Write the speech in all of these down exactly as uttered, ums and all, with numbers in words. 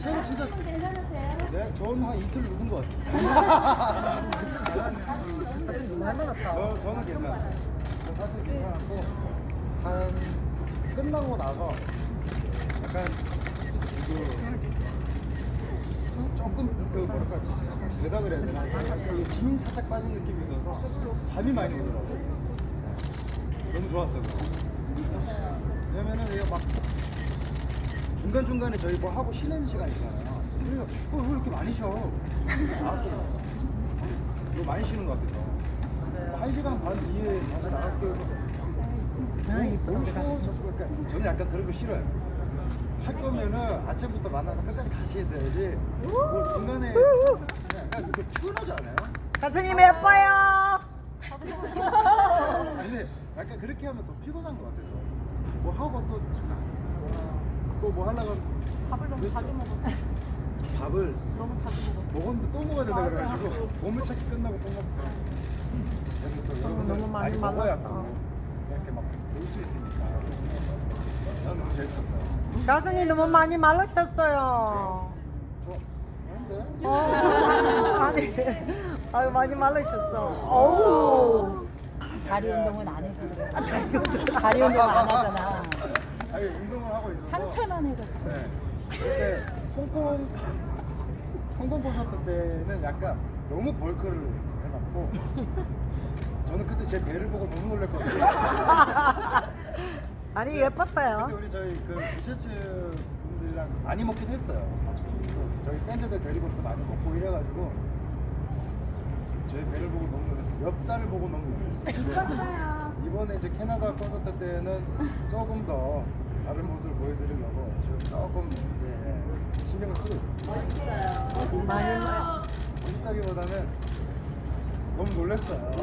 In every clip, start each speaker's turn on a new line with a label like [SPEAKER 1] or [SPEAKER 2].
[SPEAKER 1] 제가 진짜 네, 저는 한 이틀 묵은 것 같아요. 저, 저는 괜찮아요. 저 사실 괜찮았고 한 끝나고 나서 약간 그 조금 그 뭐랄까 되다 그래야 되나 그 진이 살짝 빠진 느낌이 있어서 잠이 많이 오더라고요. 너무 좋았어요. 왜냐면은 이거 막 중간 중간에 저희 뭐 하고 쉬는 시간 있잖아요. 그래서 어, 왜 이렇게 많이 쉬어? 나왔어요. 이거 많이 쉬는 것 같아서 한 시간 반 뒤에 다시 나갈게요. 너무 쉬워. 그러니까 저는 약간 그런 거 싫어요. 할 거면은 아침부터 만나서 끝까지 같이 했어야지. 뭐 중간에 그냥 약간 그렇게 피곤하지 않아요?
[SPEAKER 2] 가수님 예뻐요.
[SPEAKER 1] 근데 약간 그렇게 하면 더 피곤한 것 같아서 뭐 하고 또 잠깐 또 뭐 하려고
[SPEAKER 3] 밥을 너무
[SPEAKER 1] 그랬죠.
[SPEAKER 3] 자주 먹었어.
[SPEAKER 1] 밥을
[SPEAKER 3] 너무 자주 먹었어.
[SPEAKER 1] 먹었는데 또 먹어야 된다 그래가지고 보물찾기 끝나고 또 먹죠. 그래서 또 여러분들
[SPEAKER 2] 너무 많이
[SPEAKER 1] 많이 먹어야
[SPEAKER 2] 말랐다.
[SPEAKER 1] 또 이렇게 막 놀 수 있으니까 나는 너무 재밌었어요.
[SPEAKER 2] 가수님 너무 많이 말르셨어요.
[SPEAKER 1] 저 그런데
[SPEAKER 2] 어, 아니, 아유 많이 말르셨어. 어우.
[SPEAKER 3] 다리 운동은 안 해서 그래. 다리 운동 안 하잖아.
[SPEAKER 1] 아니 운동을 하고 있어서
[SPEAKER 3] 상체만 해가지고.
[SPEAKER 1] 네. 그때 홍콩 홍콩 보셨을 때는 약간 너무 벌크를 해놨고 저는 그때 제 배를 보고 너무 놀랐거든요.
[SPEAKER 2] 아니 예뻤어요.
[SPEAKER 1] 근데 우리 저희 그 부채츠 분들이랑 많이 먹긴 했어요. 또 저희 밴드들 데리고 또 많이 먹고 이래가지고 저희 배를 보고 너무 놀랐어요. 엽살을 보고 너무 놀랐어요. 이번에 이제 캐나다 콘서트 때는 조금 더 다른 모습을 보여드리려고 지금 조금 이제 신경을 쓰고 있어요.
[SPEAKER 2] 많이 말.
[SPEAKER 1] 멋있다기보다는 너무 놀랐어요.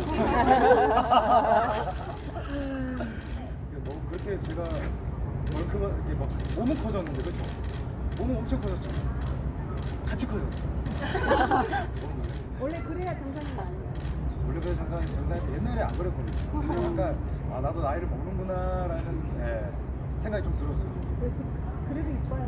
[SPEAKER 1] 너무 그렇게 제가 벌크가 이렇게 막 몸은 커졌는데 그렇죠? 몸은 엄청 커졌죠. 같이 커졌어. 너무 놀랐어요.
[SPEAKER 3] 원래 그래야 정상인 거 아니에요?
[SPEAKER 1] 원래 그 장사는 장사는 옛날에 안 그랬거든요. 근데 약간 아 나도 나이를 먹는구나라는 예, 생각이 좀 들었어요.
[SPEAKER 3] 그래서 그래도 이뻐요.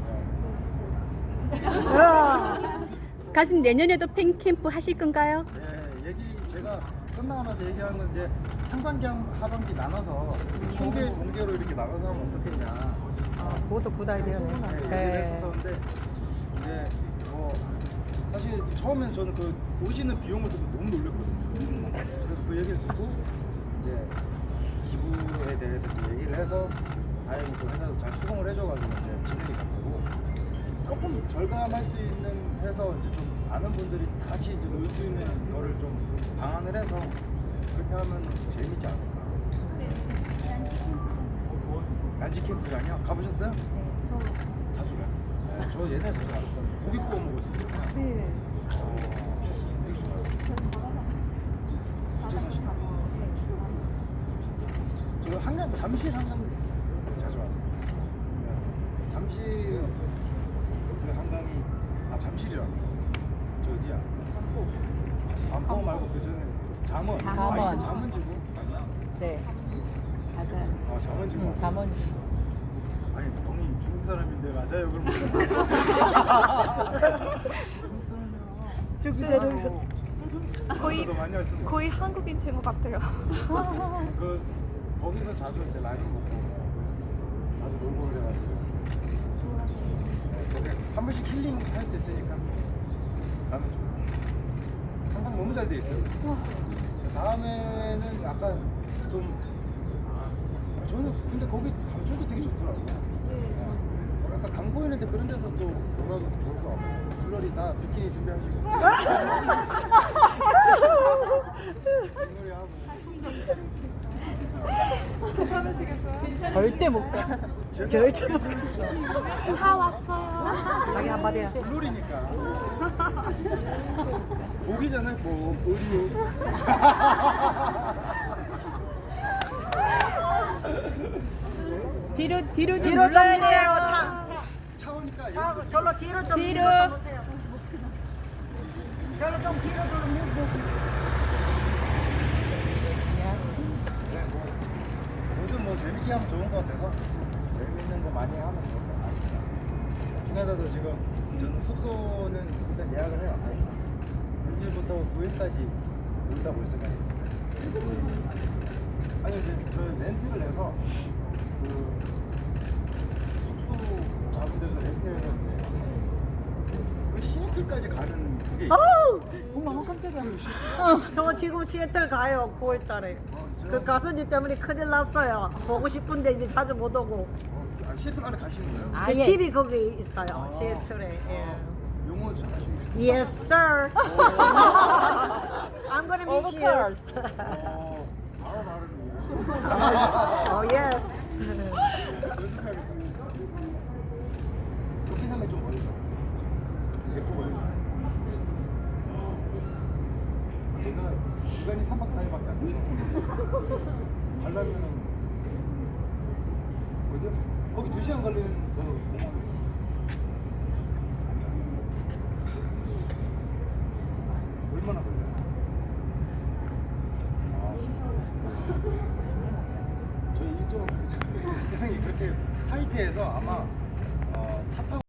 [SPEAKER 1] 예.
[SPEAKER 2] 으아.
[SPEAKER 4] 가수님 내년에도 팬캠프 하실 건가요?
[SPEAKER 1] 예, 얘기 제가 끝나고 나서 얘기하는 건 이제 상반기 하반기 나눠서 중계 동계로 이렇게 나가서 하면 어떻겠냐.
[SPEAKER 2] 아, 그것도 굿 아이디어네.
[SPEAKER 1] 네, 얘기를
[SPEAKER 2] 네.
[SPEAKER 1] 했었는데 이제 뭐 사실 처음엔 저는 그 오시는 비용을 듣고 너무 놀랐거든요. 그래서 그 얘기를 듣고 이제 기부에 대해서 이제 얘기를 해서 다행히 그 회사도 잘 수긍을 해줘가지고 이제 진행이 됐고 조금 절감할 수 있는 해서 이제 좀 아는 분들이 같이 이제 놀 수 있는 거를 좀 방안을 해서 그렇게 하면 재밌지 않을까. 난지 캠프장이요? 가보셨어요?
[SPEAKER 3] 저
[SPEAKER 1] 자주 가요. 네, 저 예전에 자주 갔어요. 고기 구워 먹었어요.
[SPEAKER 3] 네.
[SPEAKER 1] 어, 되게 좋아요. 진짜 사시나? 저 한강, 잠실 한강 자주 왔어요. 네. 잠실 그 한강이, 아, 잠실이라고. 저 어디야? 반포 말고 그 전에 잠원.
[SPEAKER 3] 잠원.
[SPEAKER 1] 아, 이게 잠원지구? 아니야?
[SPEAKER 3] 네. 맞아요.
[SPEAKER 1] 어, 잠원지구.
[SPEAKER 3] 응,
[SPEAKER 1] 맞아요.
[SPEAKER 3] 잠원지.
[SPEAKER 1] 아니, 형이 중국 사람인데 맞아요? 그럼 중국 사람이요.
[SPEAKER 5] 거의
[SPEAKER 1] 저도 많이 왔습니다.
[SPEAKER 5] 거의 한국인 된 것 같아요.
[SPEAKER 1] 그 거기서 자주 이제 라면 먹고 자주 놀고 그래가지고 네, 근데 한 번씩 힐링 할 수 있으니까 가면 좋아요. 한강 너무 잘 돼 있어요. 다음에는 약간 좀 저는 근데 거기 감성도 되게 좋더라고요. 네. 약간 강 보이는데 그런 데서 또 놀아도 좋을 것 같고 물놀이 다 비키니 준비하시고 물놀이 하고
[SPEAKER 3] 절대 못 가.
[SPEAKER 2] 절대 못
[SPEAKER 5] 차 왔어요.
[SPEAKER 2] 자기 한마디야.
[SPEAKER 1] 물놀이니까 목이잖아요 목 의류
[SPEAKER 4] 뒤로 뒤로 좀
[SPEAKER 2] 뒤로 좀
[SPEAKER 4] 물러야
[SPEAKER 2] 주세요.
[SPEAKER 4] 돼요.
[SPEAKER 2] 차.
[SPEAKER 1] 차오니까
[SPEAKER 2] 자,
[SPEAKER 1] 여기서
[SPEAKER 2] 절로 뒤로 좀
[SPEAKER 4] 뒤로.
[SPEAKER 2] 좀 보세요. 절로 좀 뒤로 좀 밀고.
[SPEAKER 1] 네, 뭐, 뭐든 뭐 재밌게 하면 좋은 것 같아서 재밌는 거 많이 하면 좋을 것 같아요. 캐나다도 지금 저는 숙소는 일단 예약을 해요. 육 일부터 구 일까지 온다고 했어요. 아니 이제 그 렌트를 해서 그 숙소 잡은 데서 렌트해서 이제 그 시애틀까지 가는 그게 있어요.
[SPEAKER 3] 어머 깜짝이야.
[SPEAKER 2] 저 지금 시애틀 가요. 구월 달에. 그 가수님 때문에 큰일 났어요. 보고 싶은데 이제 자주 못 오고.
[SPEAKER 1] 어, 아, 시애틀 안에 가시는 거예요?
[SPEAKER 2] 제
[SPEAKER 3] 아예.
[SPEAKER 2] 집이 거기 있어요.
[SPEAKER 1] 아.
[SPEAKER 2] 시애틀에. 예.
[SPEAKER 1] 영어 잘하시는
[SPEAKER 2] Yes, sir. I'm gonna
[SPEAKER 3] Of
[SPEAKER 2] miss you.
[SPEAKER 3] course.
[SPEAKER 1] 어, 바로 다르네.
[SPEAKER 2] Oh, yes.
[SPEAKER 1] 연습하겠습니다. 도끼삼에 좀 멀죠. 예쁘 멀죠. 제가 시간이 삼 박 사 일밖에 안 돼서 가려면은 어디요? 거기 두 시간 걸리는 그 공항. 얼마나 걸려요? 아. 저희 일정은 그렇게 일정이 그렇게 타이트해서 아마 어, 차 타고